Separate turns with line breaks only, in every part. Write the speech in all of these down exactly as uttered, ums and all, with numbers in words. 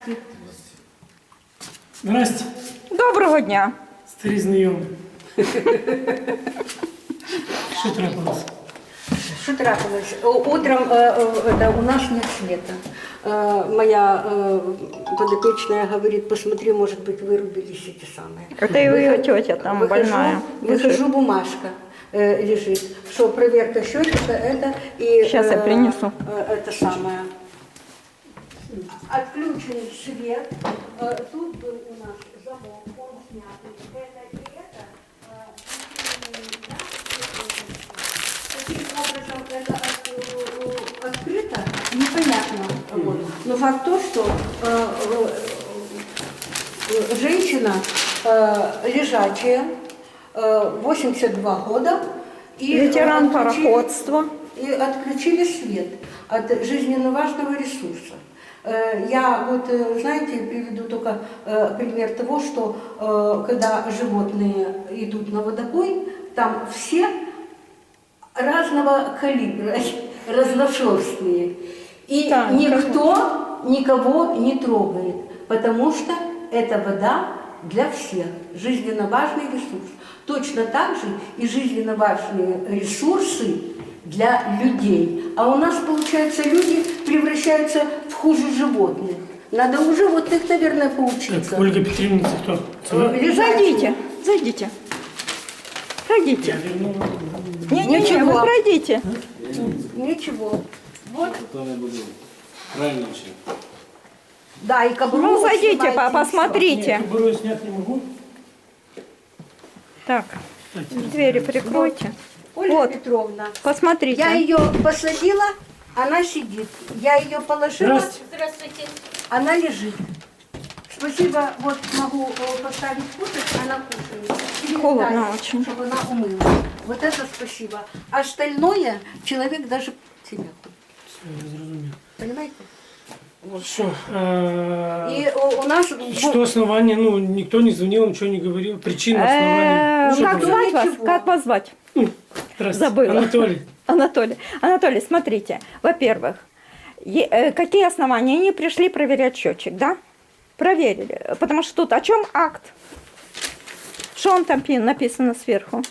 Здрасте.
Доброго дня.
Старі знайомі. Що трапилось?
Что трапилось? Утром э, э, это, у нас нет света. Э, моя э, подопечная говорит, посмотри, может быть, вырубились эти самые.
Это и ее тетя там
выхожу,
больная.
Выхожу, бумажка э, лежит, что проверка счетчика это и...
Сейчас я принесу.
Э, это самое. Отключен свет. Э, тут был у нас замок, он снятый. Это и это. Таким образом, это от- открыто, непонятно. Вот. Но факт то, что э, э, женщина э, лежачая, э, восемьдесят два года, и
Ветеран
отключили-
пароходства.
и отключили свет от жизненно важного ресурса. Э, Я вот, э, знаете, приведу только э, пример того, что э, когда животные идут на водопой, там все разного калибра, разношерстные. И
Так,
никто никого не трогает, потому что это вода для всех, жизненно важный ресурс. Точно так же и жизненно важные ресурсы для людей. А у нас, получается, люди превращаются в хуже животных. Надо у животных, наверное, поучиться.
Так, Ольга Петровна, це хто? Це ви?
Лежачие.
Зайдите, зайдите. Пройдите. Не-не-не,
Ничего.
вы пройдите.
Ничего. Вот.
То не буде. Правильно чи?
Да, и кобру
Ну, зайдите,
снимайте,
по-
и всё.
посмотрите.
Ні, кобуру я снять не можу.
Так, двери прикройте.
Ольга
Вот.
Петровна,
Посмотрите.
я ее посадила, она сидит. Я ее положила,
Здрасте.
она лежит. Спасибо, вот могу э, поставить кушать, она кушает. Передать,
Холодно очень.
чтобы она умылась. Вот это спасибо. А остальное человек даже себя хочет.
Все, я зрозумів.
Понимаете?
Вот что, а,
И у, у нас...
что основание, ну, никто не звонил, ничего не говорил, причина, основания.
Э,
Что
Как
было?
звать вас?
Ничего.
Как вас звать?
Здравствуйте.
забыла.
Анатолий.
Анатолий. Анатолий, смотрите. Во-первых, е- э, какие основания? Они пришли проверять счетчик, да? Проверили. Потому что тут о чем акт? Что он там пи- написано сверху?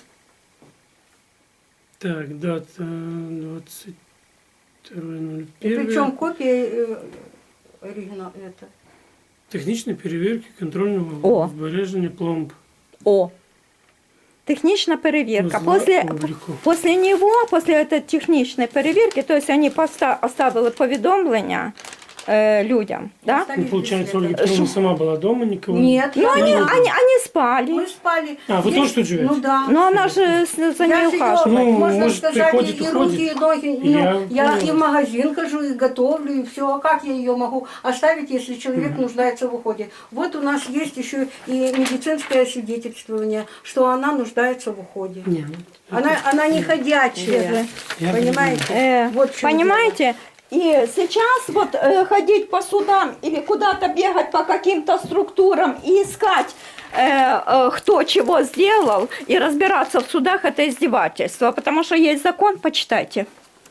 Так, дата двадцать второе ноль
И
первое.
причем копия э, оригинал это.
Технічні перевірки контрольного
О.
збереження пломб.
О. Техничная переверка.
Узла
После,
обліку.
после него, после этой техничной перевірки, то есть они поста- оставили повідомлення э, людям, да?
Ну, получается, Ольга Петровна сама была дома, никого не-
Нет,
Ну,
я
они,
не-
они, они спали.
Мы спали.
А, вы
Здесь-
тоже тут живете?
Ну да.
Но она же с- за ней
Я же её,
ухаживает.
Ну,
можно
может,
сказать,
приходит,
и
уходит.
руки, и ноги. Ну,
Я
я
понял.
и в магазин хожу, и готовлю, и все. А как я ее могу оставить, если человек нуждается в уходе? Вот у нас есть еще и медицинское освидетельствование, что она нуждается в уходе.
Не, ну,
Она, она не ходячая,
Я
понимаете?
Э,
Вот в чём
понимаете? И сейчас вот э, ходить по судам или куда-то бегать по каким-то структурам и искать, э, э, кто чего сделал, и разбираться в судах, это издевательство. Потому что есть закон, почитайте.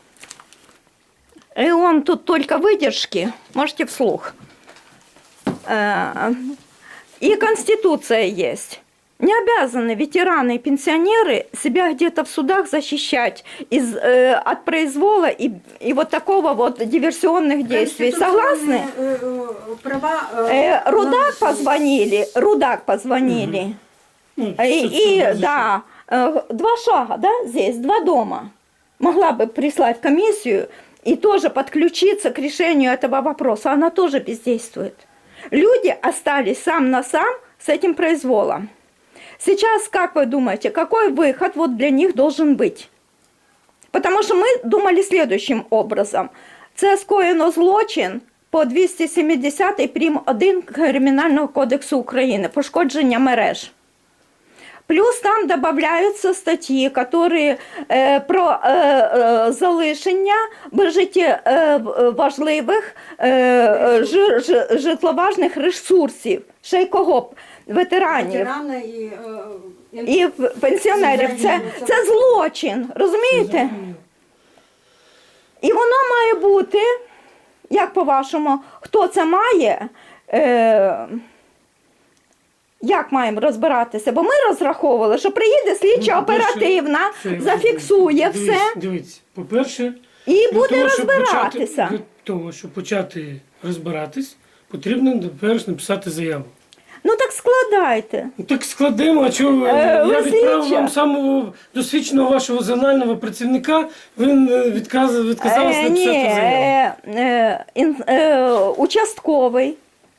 И он тут только выдержки, можете вслух. Э, и Конституция есть. Не обязаны ветераны и пенсионеры себя где-то в судах защищать из, э, от произвола и, и вот такого вот диверсионных действий. Согласны?
Конституционные, э, э, права... э,
Э, Рудак
на-
позвонили, Рудак позвонили.
ну,
И,
собственно,
и,
разрешил.
да, э, два шага, да, здесь, два дома. Могла бы прислать комиссию и тоже подключиться к решению этого вопроса. Она тоже бездействует. Люди остались сам на сам с этим произволом. Сейчас, как вы думаете, какой выход вот для них должен быть? Потому что мы думали следующим образом. Це скоєно злочин по двісті сімдесятий прим. один Кримінального кодексу України, пошкодження мереж. Плюс там добавляются статьи, которые э, про э, э, залишення важливих э, ж, ж, житловажних ресурсів. Ще й кого? Ветеранів.
Ветерана і, е,
І пенсіонерів. Це, це злочин, розумієте? І воно має бути, як по-вашому, хто це має, Е, як маємо розбиратися? Бо ми розраховували, що приїде слідча
Ну, по-перше,
оперативна,
це-
зафіксує
дивіться,
все
Дивіться, по-перше,
і
для
буде
того, щоб
розбиратися.
Почати, для того, щоб почати розбиратись, потрібно перш написати заяву.
Ну так складайте.
Ну, так складемо, а чого ви?
Е,
Я
ви
відправив
слідча.
вам самого досвідченого вашого зонального працівника, він е, відказ, відказався
Е, ні,
написати заяву.
е, е, ін- е, участковий.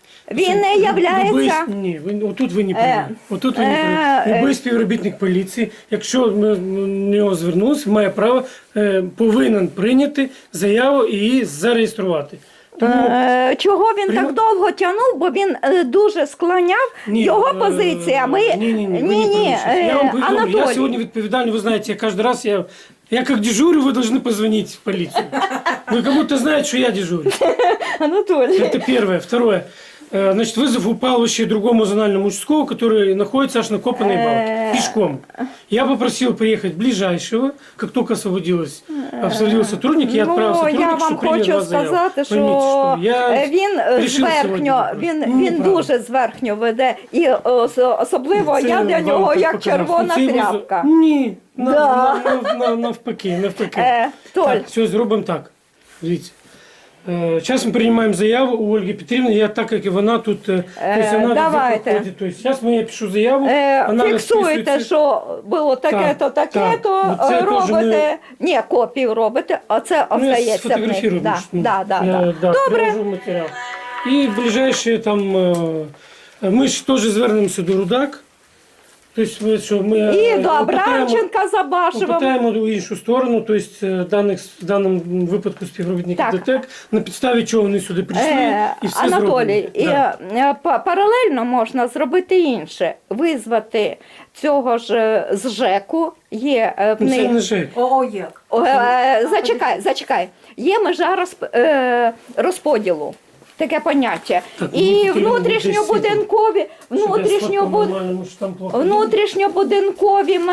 Він не
Любий-
являється.
Ні, ви, отут ви не
Е,
праві. Отут ви не
е,
праві.
е.
Любий співробітник поліції, якщо ми до нього звернулися, має право, е, повинен прийняти заяву і її зареєструвати. Тому
Е, Чого він
Прийма-
так довго тягнув, бо він е, дуже склоняв
ні,
його
е,
позиція. Ми
ні, ні, ні, ви не
ні,
праві.
е,
Я вам повідомлю, я
Анатолій.
сьогодні відповідальний, вы знаете, я каждый раз, я, я как дежурю, вы должны позвонить в полицию. Вы как будто знаете, что я дежурю.
Анатолій.
Это первое. Второе. Э, Значит, вызов упал вообще другому зональному участковому, который находится аж на Копанной балке, пешком. Я попросил приехать ближайшего, как только освободилось, освободился сотрудник, я отправил
Ну,
сотрудника,
я вам
чтобы принял
хочу
вас заяву.
сказати, що
Поймите, что я
е, він е,
решил сегодня
зверхньо,
вопрос.
він,
Ну,
він
неправда.
дуже зверхньо веде, і е, ос- особливо
Це
я для
вам
нього
так
як
показав.
червона
Це його з-
тряпка.
Ні, на-
Да.
на- на- на- навпаки, навпаки.
Е, Толь,
Так, все, зробимо так. Дивіться. Зараз ми приймаємо заяву у Ольги Петрівни, я так як і вона тут, е, тобто вона
давайте.
проходить. Тобто зараз я пишу заяву,
е,
вона
фіксуєте,
розписується.
що було таке-то,
Так,
таке-то,
так. Ну, це
е,
теж
робите. Ні, копію робите, а це
Ну, я
остається в них.
сфотографірую.
Да,
більше, ну,
да, да,
я,
да.
да,
Добре.
приложу матеріал. І в ближайшие там, е, ми ж теж звернемося до Рудак. Тобто, ми, що ми
І
е,
до
опитаємо-
Абрамченка за Башевим.
Попитаємо у іншу сторону, тобто е, даних, в даному випадку співробітників
Так.
ДТЕК, на підставі чого вони сюди прийшли
Е,
і все
Анатолій,
зроблено.
і,
Да.
е, па- паралельно можна зробити інше. Визвати цього ж е, з ЖЕКу. Є е, в
Ну, це
них-
не ЖЕК.
О, як?
О, е, зачекай, зачекай. Є межа розп- е, розподілу. Таке поняття.
Так, ну,
І
тільки
внутрішньобудинкові,
Щоб я
внутрішньобуд...
сфоткав нормально, що там плохо.
внутрішньобудинкові ми,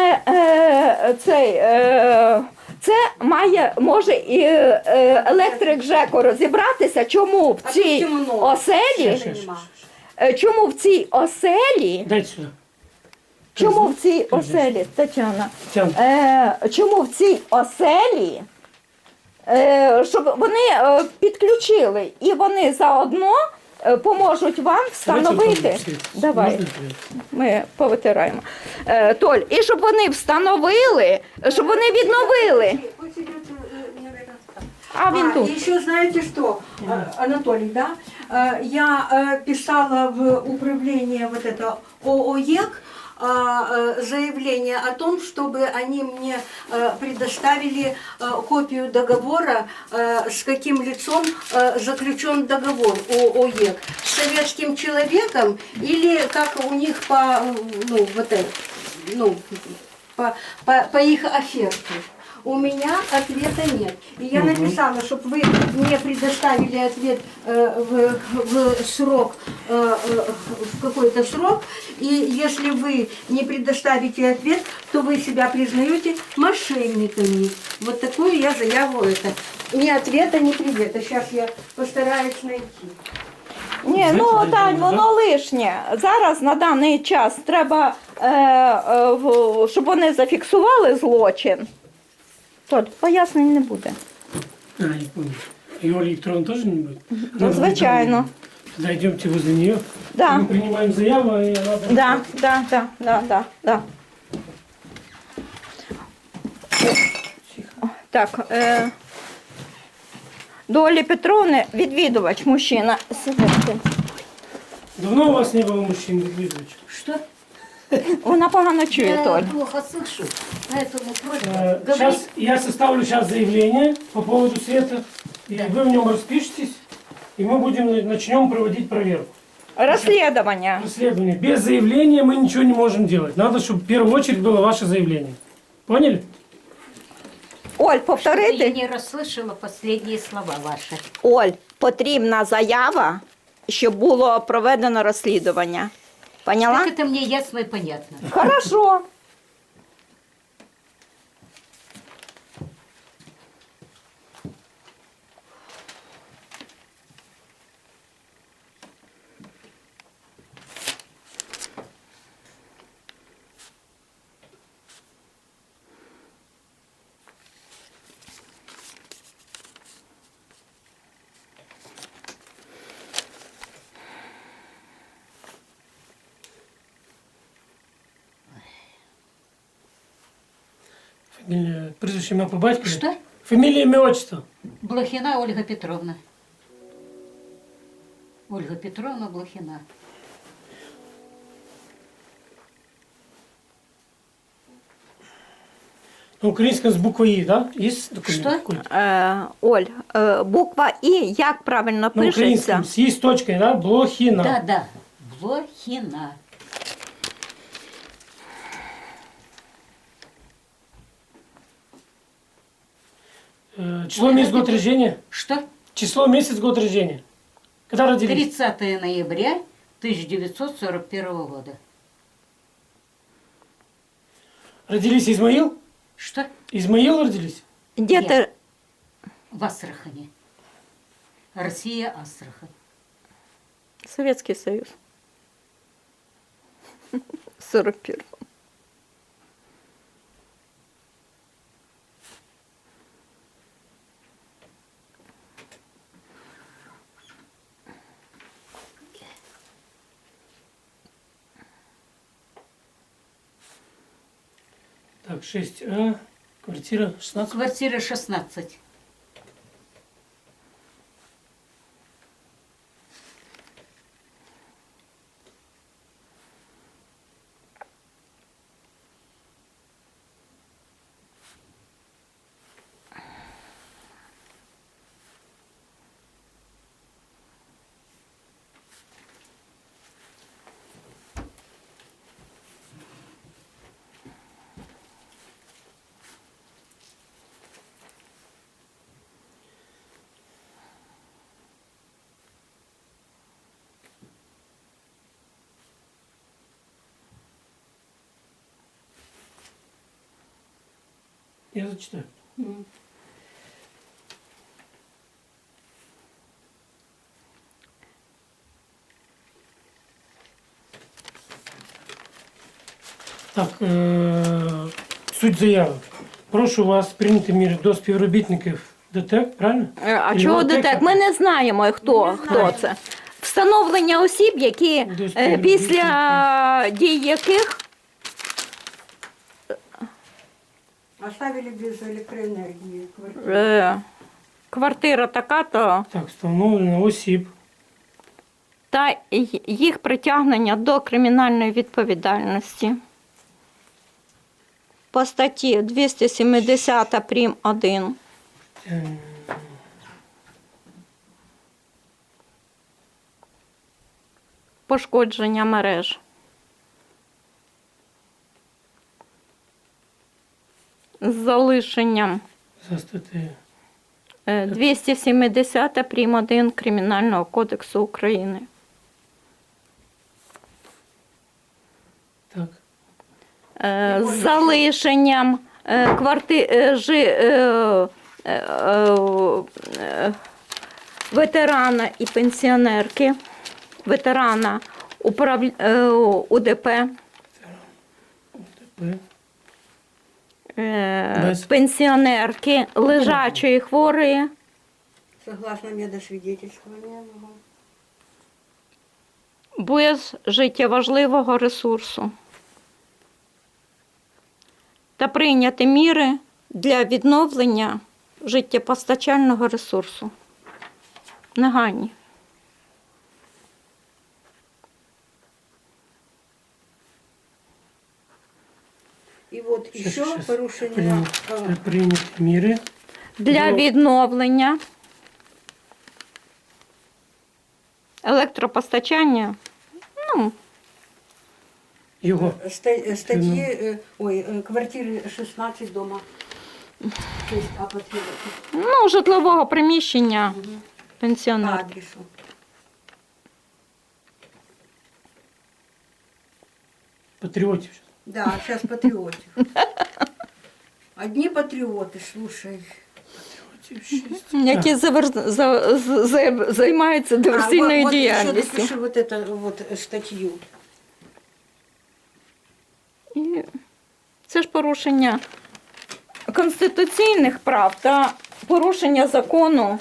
е, цей, е, це має, може і е, електрик ЖЕКу розібратися, чому в
А
цій
тут темно.
Ще,
оселі,
ще, ще.
е, чому в цій оселі,
Дайте сюди.
чому в цій оселі, Тетяна,
Тян.
Е, чому в цій оселі, е, щоб вони е, підключили і вони заодно е, поможуть вам встановити. Давай,
Можна?
ми повитираємо. Е, Толь, і щоб вони встановили, щоб вони відновили.
Пусть идет, э, не рядом с там.
А він
А,
тут.
и еще знаете что, А, Анатолий, да? Э, Я э, писала в управление вот это ООЕК а, э, заявление о том, чтобы они мне э, предоставили э, копию договора, э, с каким лицом э, заключен договор ООЕК, с советским человеком или как у них по, ну, вот это, ну, по, по, по их оферте. У меня ответа нет. И я написала, чтобы вы мне предоставили ответ э, в, в срок, э, э, в какой-то срок. И если вы не предоставите ответ, то вы себя признаете мошенниками. Вот такую я заяву это. Ни ответа, ни привета. Сейчас я постараюсь найти.
Ні, ну Тань, воно лишнє. Зараз на даний час треба, е, е, в- щоб вони зафіксували злочин. Толь, пояснень не буде.
А, я понял. И Оля Викторовна тоже не будет?
Ну, звичайно.
Тогда идемте возле нее.
Да.
Мы принимаем заяву, и она...
Да, да, да, да, да, да. Так, е, до Олі Петровни відвідувач, мужчина. Сидите.
Давно у вас не было мужчин, Дмитриевич?
Что?
Вона погано чує,
Я
Толь.
плохо слышу, поэтому просьба
Э,
говорить.
Сейчас я составлю сейчас заявление по поводу света, и вы в нем распишитесь, и мы будем начнем проводить проверку.
Розслідування.
Расследование. Без заявления мы ничего не можем делать. Надо, чтобы в первую очередь было ваше заявление. Поняли?
Оль,
Я
повторити.
не расслышала последние слова ваши.
Оль, потрібна заява, щоб було проведено розслідування. Поняла?
Так это мне ясно и понятно.
Хорошо.
Фамилия, прізвище, ім'я по батькові?
Что?
Фамилия, имя, отчество.
Блохина Ольга Петровна. Ольга Петровна Блохина.
На українському з буквою «І», да? Есть документ
Что?
какой-то?
Е, Оль, е, буква І, як правильно
На
пишеться?
українському з «І» з точкою, да? Блохина.
Да, да. Блохина.
Э, Число, месяц, год рождения?
Что?
Число, месяц, год рождения. Когда родились?
тридцатое ноября тысяча девятьсот сорок первого года.
Родились Измаил?
Что?
Измаил родились?
Де
Ні.
ти?
В Астрахани. Россия, Астрахань.
Советский Союз. сорок первом.
Так, шесть А, квартира шестнадцать.
Квартира шестнадцать.
Я зачитаю. Так, е- суть заяви. Прошу вас прийняти міри до співробітників ДТЕК, правильно?
Е, А
Или
чого
ОТЕКа?
ДТЕК? Ми не знаємо, хто, хто це. Встановлення осіб, які
Десь
е,
перед
після дій яких
Оставили без электроэнергии квартиру.
е, квартира така-то
Так, встановлено осіб.
та й- їх притягнення до кримінальної відповідальності. По статті двісті сімдесят прим. один.
е,
Пошкодження мереж. З залишенням
За статтею.
е, двісті сімдесят прим. один Кримінального кодексу України.
Так.
Е, З залишенням е, кварти... е, жи... е, е, е, ветерана і пенсіонерки, ветерана управ... е, УДП,
П.
е,
Без.
пенсіонерки, лежачої хворої,
Согласно медосвидетельствования. ага.
без життєважливого ресурсу. Та прийняти міри для відновлення життєпостачального ресурсу. Негайні.
И вот
Щас,
еще
щас.
порушение.
Прийняти,
а,
прийняти міри.
Для
Ну.
відновлення електропостачання, ну,
Його.
ста- э, Статьи, э, ой, э, квартиры шестнадцать дома. шесть А патриотов.
ну житлового приміщення
По
пенсіонерки.
адресу.
Патріотів.
Да, сейчас патриотов. Одни патриоты, слушай.
Патріотів шість.
Які завер- за- з- за- займаються
А,
диверсійною
вот, вот еще
діяльністю.
допиши вот эту вот э, статью.
І це ж порушення конституційних прав та порушення закону.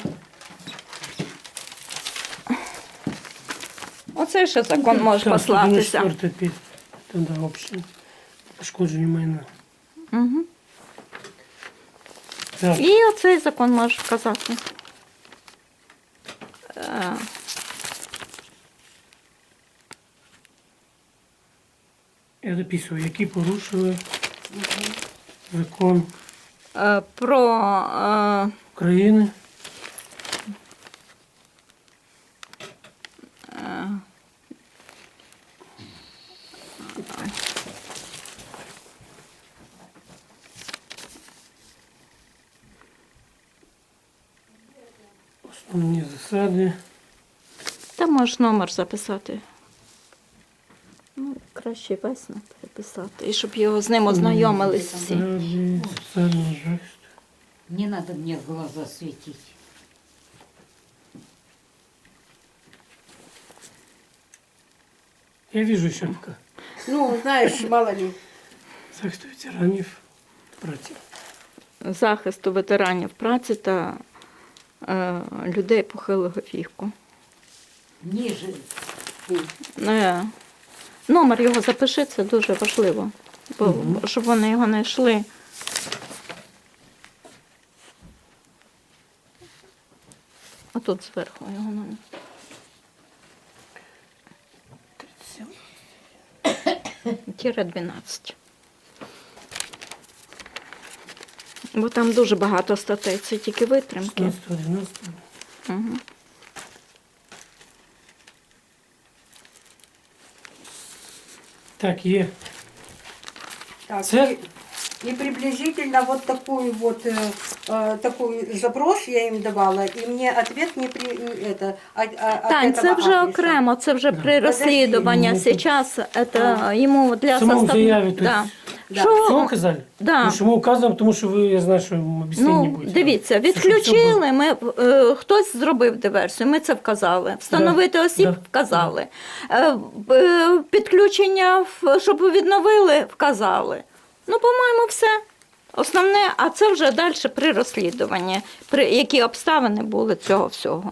Оце ще закон може
Так,
послатися.
сто девяносто четвёртый опять. Тогда общее. Пошкодження майна.
Угу.
Так.
І оцей закон можеш вказати. Е,
Я дописую, які порушили закон
е, Про е,
України. Основні засади.
Та можеш номер записати. Ну, краще весь переписати. І щоб його з ним ознайомились всі.
Засади соціального захисту.
Не надо мне в глаза светить.
Я вижу еще пока.
Ну, знаешь, мало ли.
Захист ветеранів праці.
Захисту ветеранів праці та е, людей похилого віку.
Ниже.
Е, номер його запиши, це дуже важливо, бо,
Мгм.
щоб вони його не йшли. А тут зверху його номер. Тіре дванадцять. Бо там дуже багато статей, це тільки витримки.
шістнадцятого дванадцятого.
Угу.
Так, є.
Так,
Це-
и, и приблизительно вот такую вот э, э, такой запрос я им давала, и мне ответ не при не это а, а, от
Тань,
этого
це вже
адреса.
окремо, це вже при
Подожди.
розслідуванні.
Ну,
Зараз це йому для
В самому
состав...
заяві, то
Да.
есть,
Да.
Що-
все указали?
Да.
Тому що ми указуємо, тому що ви, я знаю, що об'яснення не
Ну,
буде.
дивіться,
Все, щоб все було.
відключили, ми, е, хтось зробив диверсію, ми це вказали. Встановити осіб
да.
вказали. Е, е, підключення, в- щоб відновили, вказали. Ну, по-моєму, все. Основне, а це вже далі при розслідуванні, при які обставини були цього всього.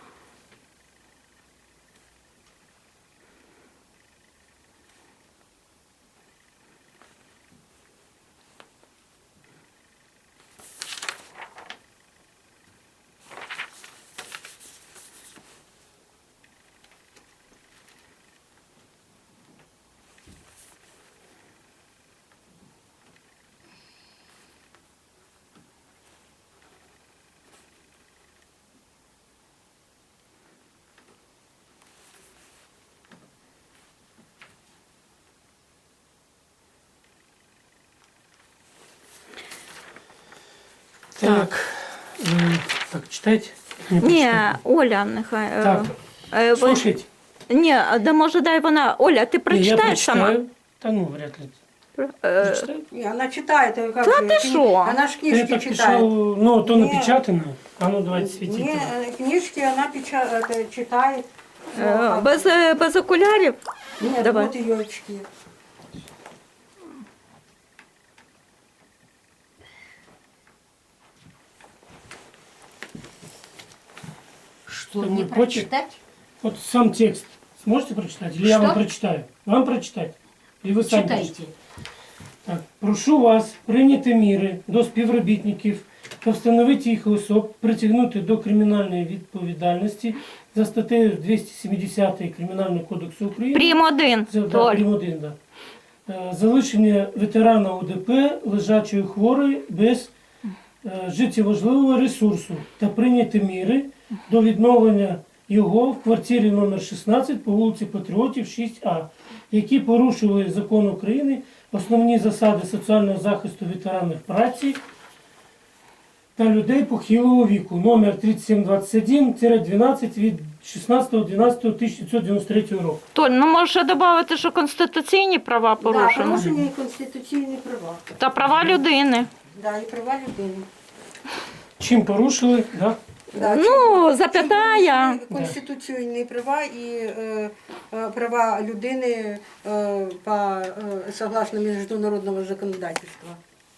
Так, е, так, читайте. Не
Ні,
прочитаю.
Оля, нехай. е,
Так,
е, ви-
слушайте.
Ні, да може дай вона. Оля, ти
Ні, я
прочитаєш сама?
прочитаю. Та ну, вряд ли.
Е,
Прочитаю?
Не, она читает, э, как
Да
же,
ты
кни-
шо?
Она ж
Я
книжки
так
читает.
писал, ну, то
Не.
напечатано. А ну, давайте светите.
Не, э, книжки она печа- это, читает. Ну,
е,
а-
без, е, без окулярів?
Нет,
давай.
вот ее очки.
Что,
Там
не
мой почерк.
прочитать?
Вот сам текст сможете прочитать? Или я
Что?
вам прочитаю? Вам прочитать? Или ви самі
Читайте.
прочитаєте? Так, прошу вас прийняти міри до співробітників та встановити їх особ, притягнути до кримінальної відповідальності за статтею двісті сімдесят Кримінального кодексу України.
Прим один.
Це, да,
Толь.
прим один, да. Е, Залишення ветерана УДП, лежачої хворої, без е, життєважливого ресурсу та прийняти міри до відновлення його в квартирі номер шістнадцять по вулиці Патріотів, шість А, які порушили закон України, основні засади соціального захисту ветеранів праці та людей похилого віку, номер тридцять сім двадцять один дванадцять від шістнадцятого дванадцятого тисяча дев'ятсот дев'яносто третього року.
Толь, ну можеш ще додати, що конституційні права
Да,
порушені.
порушення і конституційні права.
Та права людини.
Да, і права людини.
Чим порушили, да?
Да,
Ну, запятая.
Конституційні права і е, е, права людини е, по, е, согласно міжнародного законодательства.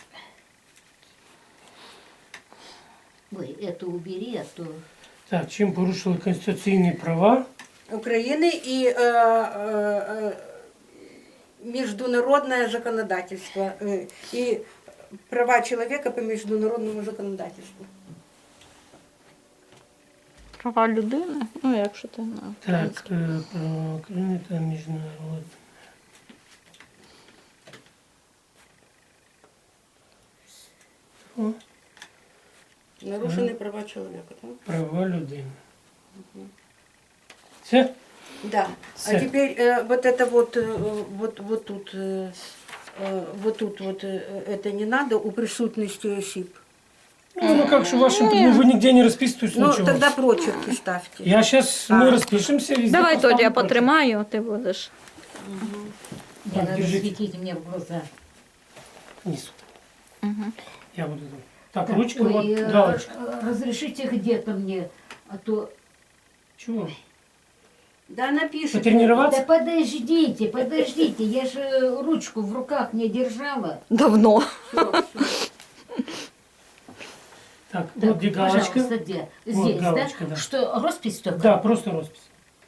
Ой, это убери, а то...
Так, чим порушили конституційні права
України і е, е, е, міжнародне законодательство. Е, і права человека по международному законодательству.
Права людини? Ну, якщо ти на
Так, э, право України та міжнародне. О,
Нарушены права человека. Да?
права людини. Все?
Да.
Всё.
А теперь э, вот это вот, э, вот, вот тут, э, э, вот тут вот э, это не надо у присутности осіб.
Ну, ну как же в вашем, ну, вы нигде не расписываетесь,
Ну,
ничего.
тогда прочерки ставьте.
Я сейчас, мы распишемся везде.
Давай,
поставлю
Толя, я
прочерк.
потримаю, ти будеш.
Не
Так,
надо
держите.
светить мне в глаза.
Внизу.
Угу.
Я буду. Так,
Так,
ручка,
ой,
вот,
э,
галочка.
э, Разрешите где-то мне, а то...
Чего?
Да, напишите.
Потренироваться?
Да подождите, подождите, я же ручку в руках не держала.
Давно.
Всё, всё.
Так,
Так,
вот где галочка.
пожалуйста, где?
Вот
Здесь,
галочка,
да?
да.
Что, роспись только?
Да, просто роспись.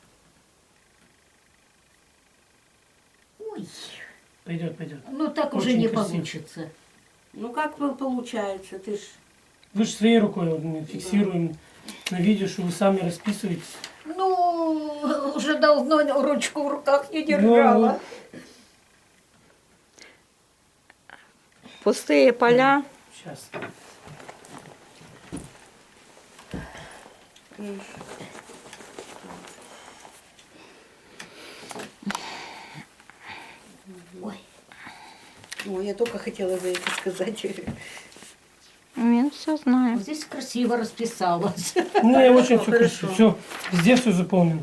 Ой,
Пойдет, пойдет.
ну так уже
Очень
не
красиво.
получится.
Ну как вы получается? Ты ж...
Вы же своей рукой вот, мы фиксируем на видео, что вы сами расписываетесь.
Ну, уже давно ручку в руках не
Ну,
держала.
Пустые поля.
Сейчас.
Ой,
Ой, я только хотела за это сказать.
Він все знає.
вот здесь красиво расписалась.
Ну, я очень все
Хорошо.
красиво. Все, везде все заполнено.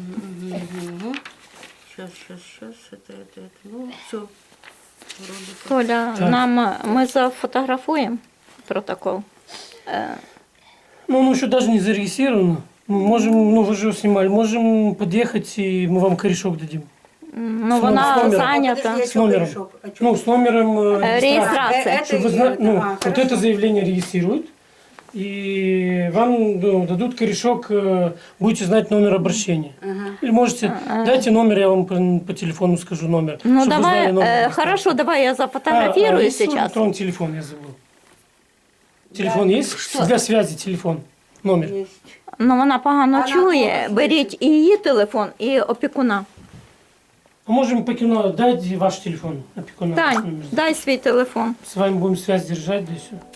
Сейчас, сейчас, сейчас, это, это, это. Ну, все. Вроде как.
Толя,
Так.
нам ми зафотографуємо протокол. Е,
Ну, оно еще даже не зарегистрировано. Мы можем, ну вы же его снимали, можем подъехать и мы вам корешок дадим.
Ну,
С
вона
номером.
зайнята.
Подожди, а
С
чё
номером.
корешок? А чё?
Ну, с номером э,
Э,
регистрации.
регистрация.
А, э,
Чтобы вы
это
знали,
и-
ну,
а,
вот
хорошо.
это заявление регистрируют, и вам ну, дадут корешок, э, будете знать номер обращения.
Ага.
Или можете, дайте номер, я вам по, по телефону скажу номер.
Ну,
чтобы вы
давай,
знали номер
е,
регистрации.
хорошо, давай я
А,
зафотографирую
а есть
сейчас.
электронный телефон, я забыл. Телефон есть?
Что?
Для связи телефон, номер.
Есть.
Ну, вона погано
Вона
чує.
погано
Беріть і її телефон, і опікуна.
А можем покину, дайте ваш телефон, опекуна.
Тань, дай свій телефон.
С вами будем связь держать, да и все.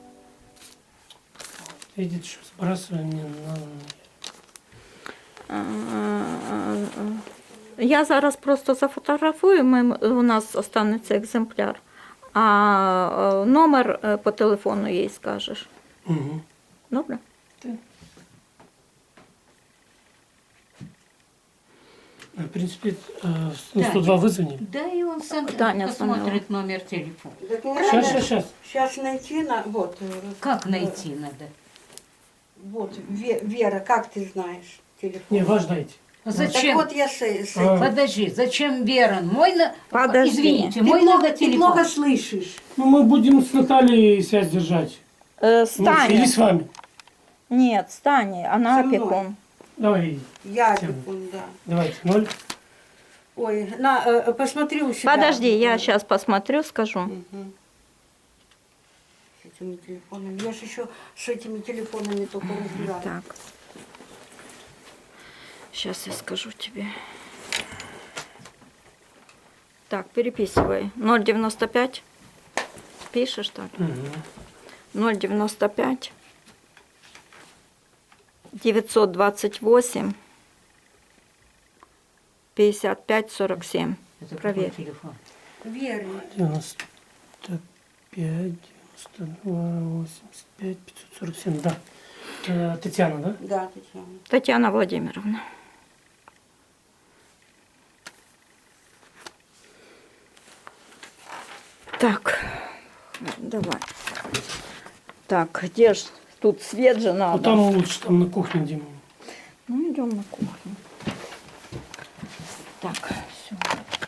Видите, что сбрасываем не надо.
Е, Я зараз просто зафотографую, ми, у нас останеться екземпляр. А е, номер е, по телефону їй скажеш.
Угу.
Добре?
В принципе, э, ну,
Да.
сто два вызвонили.
Да и он сам
Таня
посмотрит номер телефона.
Так не
Сейчас,
надо.
сейчас, сейчас.
Сейчас найти на... Вот. э,
Как
э,
найти надо?
Вот, Ве- Вера, как ты знаешь телефон?
Не, ваш дайте.
Так
Зачем?
вот я с, с
А.
Подожди, зачем Вера? Мой на...
Подожди.
Извините,
Ты
мой
плохо,
надо
ты
телефон.
плохо слышишь.
Ну, мы будем с Натальей связь держать.
Е, з
Ну, или
Тані.
с вами.
Ні, з Тані, вона
Со мною.
опікун.
Давай,
Я
Тема.
телефон, да.
давайте, ноль.
Ой, на, э, посмотри у себя.
Подожди, я сейчас посмотрю, скажу.
Мгм. С этими телефонами. Я же еще с этими телефонами только разбираюсь.
Так. Сейчас я скажу тебе. Так, переписывай. ноль девяносто пять. Пишешь так?
Угу.
ноль девяносто пять. девятьсот двадцать восемь. пятьдесят пять сорок семь.
Это
Проверь.
какой телефон?
Верно.
девяносто пять, девяносто два, восемьдесят пять, пятьсот сорок семь, да. Э, Татьяна, да?
Да, Татьяна.
Татьяна Владимировна. Так, давай. Так, где ж тут свет же надо?
Вот там лучше, там на кухне, Дима.
Ну, идем на кухню.